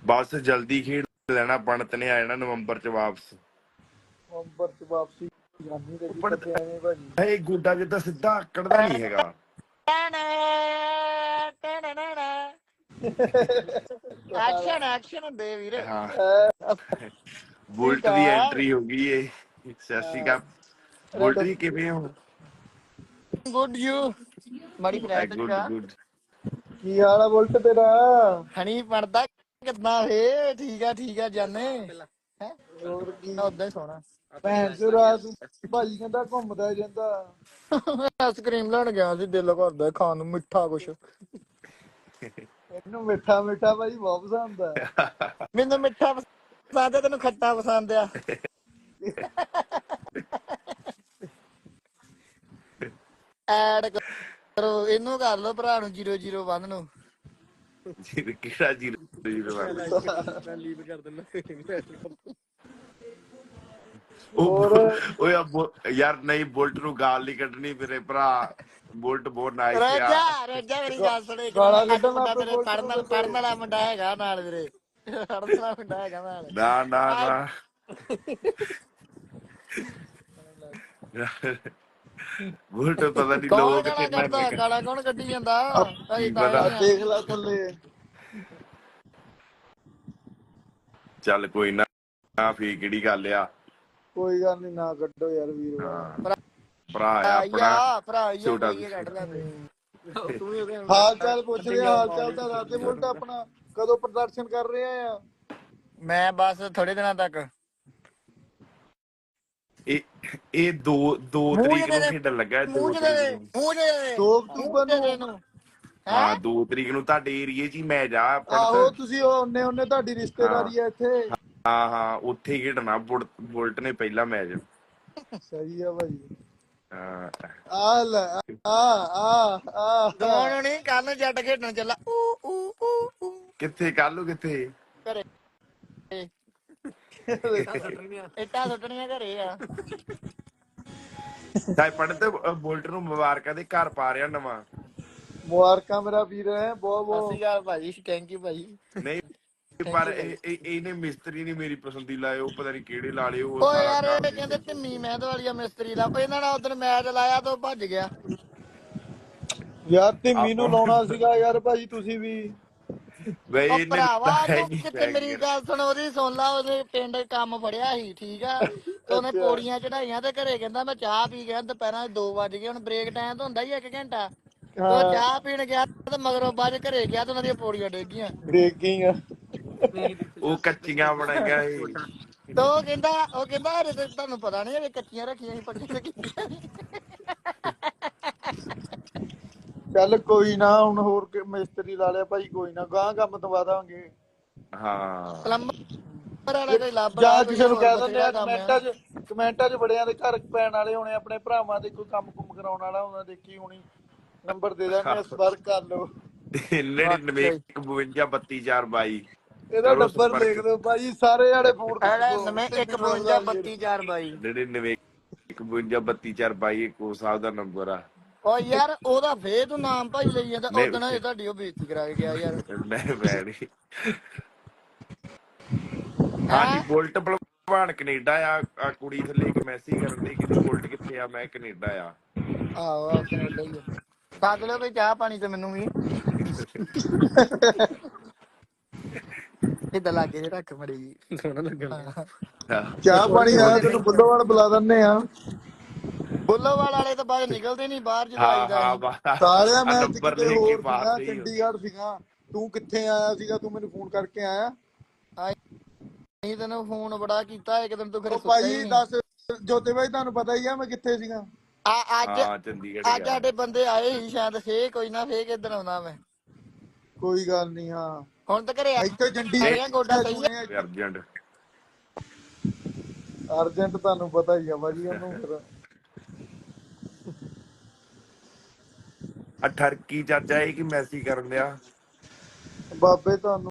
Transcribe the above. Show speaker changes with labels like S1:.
S1: ਬਸ ਜਲਦੀ ਖੇਡ ਲੈਣਾ। ਪੰਡਤ ਨੇ ਆ ਜਾਣਾ ਨਵੰਬਰ ਚ ਵਾਪਸ।
S2: ਨਵੰਬਰ ਚ ਵਾਪਸੀ ਜਾਨੀ ਤੇ ਜੀ
S1: ਪੰਡਤ
S2: ਕਦੇ ਐਵੇਂ ਭਾਜੀ।
S1: ਇਹ ਗੋਡਾ ਜਿੱਦਾਂ ਸਿੱਧਾ ਆਕੜਦਾ ਨਹੀਂ ਹੈਗਾ।
S3: ਐਕਸ਼ਨ ਹੁੰਦੇ ਵੀਰ।
S1: ਹਾਂ ਬੁਲਟ ਦੀ
S3: ਅਕਾਲ
S1: ਐਂਟਰੀ ਹੋ ਗਈ ਏ। ਸਤਿ ਸ਼੍ਰੀ ਅਕਾਲ ਬੁਲਟ ਜੀ, ਕਿਵੇਂ ਹੋ?
S3: ਗੁੱਡ ਯੂ ਮਾੜੀ ਫਲੈਟ
S1: ਗੁੱਡ
S3: ਚਾ
S1: ਗੁੱਡ।
S2: ਕੀ ਹਾਲ ਆ ਬੁਲਟ ਤੇਰਾ?
S3: ਹਣੀ ਪੜਦਾ ਕਿੱਦਾਂ ਵੇ? ਠੀਕ ਆ ਜਾਨੇ ਹੈ
S2: ਹੋਰ ਕੀ
S3: ਉਦਾਂ ਹੀ ਸੋਣਾ।
S2: ਭੈਣ ਚੋ ਰਾਤ ਨੂੰ ਭਾਜੀ ਕਹਿੰਦਾ ਘੁੰਮਦਾ ਜਾਂਦਾ।
S3: ਆਈਸਕ੍ਰੀਮ ਲੈਣ ਗਿਆ ਸੀ, ਦਿਲ ਕਰਦਾ ਖਾਣ ਨੂੰ ਮਿੱਠਾ ਕੁਛ।
S2: ਇਹਨੂੰ ਮਿੱਠਾ ਮਿੱਠਾ ਭਾਜੀ ਬਹੁਤ ਪਸੰਦ ਆ।
S3: ਮੈਨੂੰ ਮਿੱਠਾ ਪਸੰਦ ਆ, ਤੈਨੂੰ ਖੱਟਾ ਪਸੰਦ ਆ। ਐਡ ਕਰੋ ਇਹਨੂੰ, ਕਰ ਲੋ ਭਰਾ ਨੂੰ 001 ਨੂੰ।
S1: ਕਿਹੜਾ 001?
S3: ਲੀਵ ਕਰ ਦਿੰਦਾ।
S2: ਹੋਰ
S1: ਉਹ ਯਾਰ ਨਹੀਂ, ਬੁਲਟ ਨੂੰ ਗਾਲ ਨਹੀਂ ਕੱਢਣੀ ਮੇਰੇ ਭਰਾ। ਬੁਲਟ ਬਹੁਤ ਨਾਈਸ ਆ।
S3: ਰੋਜਾ ਮੇਰੀ ਗੱਲ ਸੁਣ, ਇੱਕ
S2: ਗਾਲਾਂ
S3: ਅੱਜ
S2: ਕੱਢਣ ਲੱਗ
S3: ਮੁੰਡਾ
S2: ਪਏ
S3: ਮੇਰੇ
S2: ਬੁਲਟ ਨੂੰ
S3: ਪੜਨ ਵਾਲਾ ਮੁੰਡਾ ਹੈਗਾ ਨਾਲ ਵੀਰੇ। ਪੜਨ ਵਾਲਾ ਮੁੰਡਾ ਹੈਗਾ ਨਾਲ।
S1: ਨਾ ਨਾ ਨਾ ਬੁਲਟ ਪਤਾ ਨਹੀਂ
S3: ਕੌਣ
S1: ਲੋਕ
S3: ਗਾਲਾਂ
S1: ਕਿੰਨਾ
S3: ਕੱਢਦਾ? ਗਾਲਾਂ ਕੌਣ ਕੱਢੀ ਜਾਂਦਾ?
S1: ਕੀ
S3: ਅਸੀਂ ਤਾਂ
S1: ਪਤਾ।
S3: ਹੀ
S2: ਦੇਖ ਲੈ ਥੱਲੇ।
S1: ਚੱਲ ਕੋਈ ਨਾ, ਫੇਰ ਕਿਹੜੀ ਗੱਲ ਆ।
S2: ਕੋਈ ਗੱਲ ਨੀ, ਨਾ ਕੱਢੋ ਯਾਰ ਵੀਰ
S1: ਹਾਂ ਭਰਾ ਆ ਆਪਣਾ
S3: ਭਰਾ
S1: ਛੋਟਾ।
S3: ਕੋਈ ਕੱਢ ਲੈਂਦੇ।
S2: ਹਾਲ ਚਾਲ ਪੁੱਛਦੇ ਆ, ਹਾਲ ਚਾਲ ਤਾਂ ਦੱਸ ਦੇ ਬੁਲਟ ਆਪਣਾ। ਕਦੋਂ ਪ੍ਰਦਰਸ਼ਨ ਕਰ ਰਹੇ ਆ?
S3: ਮੈਂ ਬਸ ਥੋੜੇ ਦਿਨਾਂ ਤੱਕ।
S1: ਇਹ 2 ਤਰੀਕ ਨੂੰ ਖੇਡਣ ਲੱਗਾ। 2 ਤਰੀਕ ਨੂੰ।
S2: 2 ਅਕਤੂਬਰ ਨੂੰ।
S1: ਹਾਂ 2 ਤਰੀਕ ਨੂੰ ਤੁਹਾਡੇ ਏਰੀਏ 'ਚ ਹੀ ਮੈਚ ਆ ਪੜਤ।
S2: ਆਹੋ ਤੁਸੀਂ ਉਹਨੇ ਤੁਹਾਡੀ ਰਿਸ਼ਤੇਦਾਰੀ ਆ ਇੱਥੇ।
S1: ਹਾਂ ਉੱਥੇ ਹੀ ਖੇਡਣਾ ਬੁਲਟ ਨੇ ਪਹਿਲਾ ਮੈਚ।
S2: ਸਹੀ ਆ ਭਾਈ।
S1: ਹਾਂ
S2: ਆ ਲੈ ਆ
S3: ਦੋਨੋਂ ਨਹੀਂ, ਕੱਲ ਨੂੰ ਜੱਟ ਖੇਡਣ ਚੱਲਾ।
S1: ਕਿੱਥੇ ਕੱਲ ਕਿੱਥੇ?
S3: ਘਰੇ ਇੱਟਾਂ ਸੁੱਟਣੀਆਂ ਘਰੇ ਆ।
S1: ਤਾਂ ਪੜਤ ਬੁਲਟ ਨੂੰ ਮੁਬਾਰਕਾਂ ਦੇ ਘਰ ਪਾ ਰਿਹਾ ਨਵਾਂ।
S2: ਮੁਬਾਰਕਾਂ ਮੇਰਾ ਵੀਰ ਹੈ ਬਹੁਤ
S3: ਸਤਿ ਸ਼੍ਰੀ
S2: ਬਹੁਤ।
S3: ਅਕਾਲ ਭਾਜੀ, ਥੈਂਕ ਯੂ ਭਾਜੀ।
S1: ਨਹੀਂ ਪਰ ਇਹਨੇ ਮਿਸਤਰੀ ਨੀ ਮੇਰੀ ਪਸੰਦੀ ਲਾਏ, ਉਹ ਪਤਾ ਨੀ ਕਿਹੜੇ ਲਾ ਲਏ। ਉਹ
S3: ਓ
S1: ਸਾਰਾ
S3: ਯਾਰ
S1: ਕੰਮ
S3: ਇਹ ਕਹਿੰਦੇ ਧਿੰਮੀ ਮਹਿੰਦ ਵਾਲੀਆ ਮਿਸਤਰੀ ਦਾ। ਇਹਨਾਂ ਨਾਲ ਉਦੋਂ ਮੈਚ ਲਾਇਆ ਤਾਂ ਭੱਜ ਗਿਆ।
S2: ਯਾਰ ਧਿੰਮੀ ਨੂੰ ਲਾਉਣਾ ਸੀਗਾ ਯਾਰ ਭਾਜੀ ਤੁਸੀਂ ਵੀ।
S1: ਬਈ
S3: ਉਹ
S1: ਇਹਨੇ
S3: ਭਰਾਵਾ
S1: ਲਾਇਆ
S3: ਤੂੰ
S1: ਨਹੀਂ
S3: ਕਿਤੇ
S1: ਪੈ
S3: ਮੇਰੀ ਗੱਲ ਸੁਣ, ਉਹਦੀ ਸੁਣ ਲਾ। ਉਹਦੇ ਪਿੰਡ ਕੰਮ ਫੜਿਆ ਸੀ, ਠੀਕ ਆ। ਤੇ ਉਹਨੇ ਪੌੜੀਆਂ ਚੜਾਈਆਂ ਤੇ ਘਰੇ ਕਹਿੰਦਾ ਮੈਂ ਚਾਹ ਪੀ ਗਿਆ। ਦੁਪਹਿਰਾਂ 2 ਵੱਜ ਗਏ। ਹੁਣ ਬ੍ਰੇਕ ਟਾਈਮ ਤਾਂ ਹੁੰਦਾ ਹੀ 1 ਘੰਟਾ। ਤੇ ਉਹ ਚਾਹ ਪੀਣ ਗਿਆ ਤੇ ਮਗਰੋਂ ਬਾਅਦ ਘਰੇ ਗਿਆ ਤੇ ਉਹਨਾਂ ਦੀਆਂ ਪੌੜੀਆਂ ਡਿੱਗ ਗਈਆਂ।
S2: ਬ੍ਰੇਕਿੰਗ।
S1: ਉਹ ਕੱਚੀਆਂ ਬਣਾਈਆਂ ਸੀ।
S3: ਤੇ ਉਹ ਕਹਿੰਦਾ ਅਰੇ ਤੇ ਤੁਹਾਨੂੰ ਪਤਾ ਨੀ ਇਹ ਕੱਚੀਆਂ ਰੱਖੀਆਂ ਸੀ, ਪੱਕੀਆਂ ਤੇ ਕੀਤੀਆਂ ਸੀ।
S2: ਚੱਲ ਕੋਈ ਨਾ, ਹੁਣ ਹੋਰ ਮਿਸਤਰੀ ਲਾ ਲਿਆ ਭਾਈ। ਕੋਈ ਨਾ, ਗਾਂ ਕੰਮ ਦਵਾ ਦਾਂਗੇ।
S1: ਹਾਂ
S3: ਪਲੰਬਰ ਵਾਲਾ ਕੋਈ ਲੱਭ ਲਾ,
S2: ਜਾਂ
S3: ਕੋਈ
S2: ਕਿਸੇ ਨੂੰ
S3: ਹੋਰ
S2: ਕਹਿ ਦਿੰਦੇ
S3: ਬਥੇਰਾ
S2: ਆ
S3: ਕੰਮ ਆ।
S2: ਕਮੈਂਟਾਂ 'ਚ ਬੜਿਆਂ ਦੇ ਘਰ ਪੈਣ ਵਾਲੇ ਹੋਣੇ, ਆਪਣੇ ਭਰਾਵਾਂ ਦੇ ਕੋਈ ਕੰਮ ਕੁਮ ਕਰਾਉਣ ਵਾਲਾ ਹੋਣਾ। ਦੇਖੀ ਹੋਣੀ, ਨੰਬਰ ਦੇ ਦਿੰਦੇ ਆ, ਸੰਪਰਕ ਕਰ ਲਓ।
S1: 99 52 32 4 22।
S2: ਇਹਦਾ ਨੰਬਰ ਲਿਖ ਦਿਓ ਭਾਜੀ, ਸਾਰੇ ਜਾਣੇ ਫੋਨ
S3: ਨਵੇਂ 1 52 32 4 22।
S1: 99 52 32 4 22 ਕੋ ਸਾਹਿਬ ਦਾ ਨੰਬਰ ਆ।
S3: ਓ ਯਾਰ ਉਹਦਾ ਫੇਰ ਤੂੰ ਨਾਮ ਭਾਈ ਲਈ ਜਾਂਦਾ।
S1: ਨਹੀਂ
S3: ਉਦਣ ਹਜੇ ਤੁਹਾਡੀ ਉਹ ਬੇਇੱਜ਼ਤੀ ਕਰਾ ਕੇ ਗਿਆ ਯਾਰ।
S1: ਮੈਂ ਨਹੀਂ। ਹਾਂਜੀ ਬੁਲਟ ਭਲਵਾਨ ਕੈਨੇਡਾ ਆ। ਕੁੜੀ ਥੱਲੇ ਇੱਕ ਮੈਸੇਜ ਕਰਨ ਦੀ, ਕਹਿੰਦੀ ਬੁਲਟ ਕਿੱਥੇ ਆ? ਮੈਂ ਕੈਨੇਡਾ ਆ।
S3: ਆਹੋ ਕੈਨੇਡਾ ਹੀ ਆ। ਸੱਦ ਲਿਓ ਕੋਈ ਚਾਹ ਪਾਣੀ ਤੇ ਮੈਨੂੰ ਵੀ। ਏਦਾਂ ਲਾਗੇ ਜੇ ਰੱਖ ਮੜੀ ਜੀ, ਸੋਹਣਾ ਲੱਗਣਾ।
S2: ਚਾਹ ਪਾਣੀ ਆ, ਤੈਨੂੰ ਬੁੱਲੋਵਾਲ ਬੁਲਾ ਦਿੰਦੇ ਆ।
S3: ਬੁੱਲੋਵਾਲ ਵਾਲੇ ਤਾਂ ਬਾਹਰ ਨਿਕਲਦੇ ਨੀ ਬਾਹਰ ਜਦੋਂ ਆਈਦਾ ਅਸੀਂ।
S2: ਸਾਲਿਆ ਮੈਂ
S1: ਨੰਬਰ
S2: ਕਿਤੇ
S1: ਲਿਖ ਕੇ
S2: ਹੋਰ ਸੀਗਾ,
S1: ਪਾਤੇ ਹੀ।
S2: ਚੰਡੀਗੜ੍ਹ ਸੀਗਾ। ਤੂੰ ਕਿੱਥੇ ਆਇਆ ਸੀਗਾ? ਤੂੰ ਮੈਨੂੰ ਫੋਨ ਕਰਕੇ ਆਇਆ?
S3: ਨਹੀਂ ਤੈਨੂੰ ਫੋਨ ਬੜਾ ਕੀਤਾ, ਇੱਕ ਦਿਨ ਤੂੰ ਫਿਰ ਸੁੱਤਾ
S2: ਭਾਈ
S3: ਹੀ ਨਹੀਂ।
S2: ਦੱਸ ਜੋਤੇ ਭਾਈ, ਤੁਹਾਨੂੰ ਪਤਾ ਹੀ ਆ ਮੈਂ ਕਿੱਥੇ ਸੀਗਾ।
S3: ਅੱਜ
S1: ਚੰਡੀਗੜ੍ਹ
S3: ਸਾਡੇ ਬੰਦੇ ਆਏ ਸੀ ਸ਼ਾਇਦ। ਫੇਰ ਕੋਈ ਨਾ, ਫੇਰ ਕਿੱਦਣ ਆਉਣਾ ਮੈਂ।
S2: ਕੋਈ ਗੱਲ ਨੀ। ਹਾਂ
S3: ਹੁਣ ਤਾਂ ਘਰੇ
S2: ਇੱਥੇ
S3: ਆ ਗੋਡਾ ਸਹੀ ਆ।
S1: ਅਰਜੈਂਟ
S2: ਅਰਜੈਂਟ ਤੁਹਾਨੂੰ ਪਤਾ ਹੀ ਆ ਭਾਜੀ ਉਹਨੂੰ ਫਿਰ।
S1: ਠਰਕੀ ਚਾਚਾ ਇਹ ਕੀ ਮੈਸੇਜ ਕਰਨ ਦਿਆ?
S2: ਬਾਬੇ ਤੁਹਾਨੂੰ